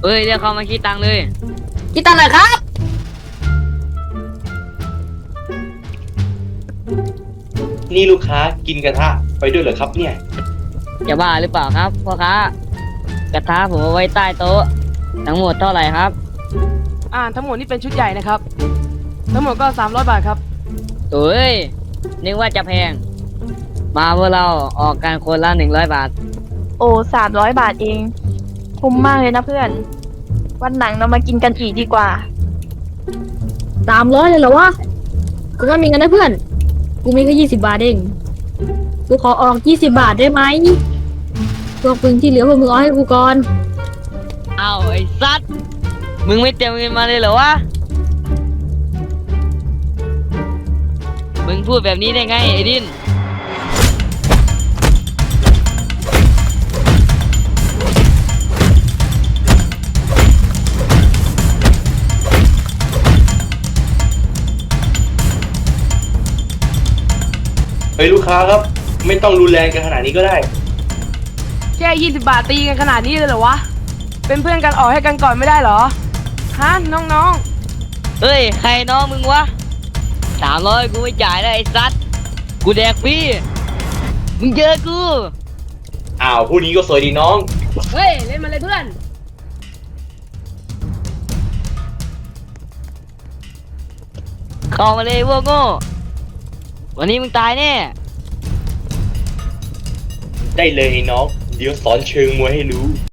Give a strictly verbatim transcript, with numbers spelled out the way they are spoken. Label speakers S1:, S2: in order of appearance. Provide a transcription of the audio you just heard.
S1: เอ้ยเดี๋ยวเขามาคิดตังค์เลย
S2: คิดตังค์หน่อยครับ
S3: นี่ลูกค้ากินกระทะไปด้วยเหรอครับเนี่ย
S1: จะบ้าหรือเปล่าครับพ่อค้ากระทะผมเอาไว้ใต้โต๊ะทั้งหมดเท่าไหร่ครับ
S2: อ่าทั้งหมดนี่เป็นชุดใหญ่นะครับทั้งหมดก็สามร้อยบาทครับ
S1: เอ้ยนึกว่าจะแพง มาพวกเราออกกันคนละหนึ่งร้อยบาท
S4: โอ้สามร้อยบาทเอง คุ้มมากเลยนะเพื่อน วันหลังเรามากินกันอีกดีกว่า
S5: สามร้อยเลยเหรอวะกูก็มีเงินนะเพื่อน กูมีแค่ยี่สิบบาทเอง กูขอออกยี่สิบบาทได้ไหมพวกมึงที่เหลือพวกมึงเอาให้กูก่อน
S1: เอาไอ้สัตว์มึงไม่เตรียมเงินมาเลยเหรอวะ มึงพูดแบบนี้ได้ไงไอ้ดิน
S3: เฮ้ยลูกค้าครับ ไม่ต้องรุนแรงกันขนาดนี้ก็ได้
S2: แค่ยี่สิบบาทตีกันขนาดนี้เลยเหรอวะ เป็นเพื่อนกันออกให้กันก่อนไม่ได้เหรอ ฮะน้อง
S1: เฮ้ยใครน้องมึงวะสามร้อยกูไม่จ่ายแล้วไอ้สัตว์กูแดกฟรีมึงเจอกู
S3: อ้าวผู้นี้ก็สวยดีน้อง
S2: ๆ เฮ้ยเล่นมาเลยเพื่อน
S1: เข้ามาเลยพวกโง่วันนี้มึงตายแน่
S3: ได้เลยไอ้น้อง เดี๋ยวสอนเชิงมวยให้รู้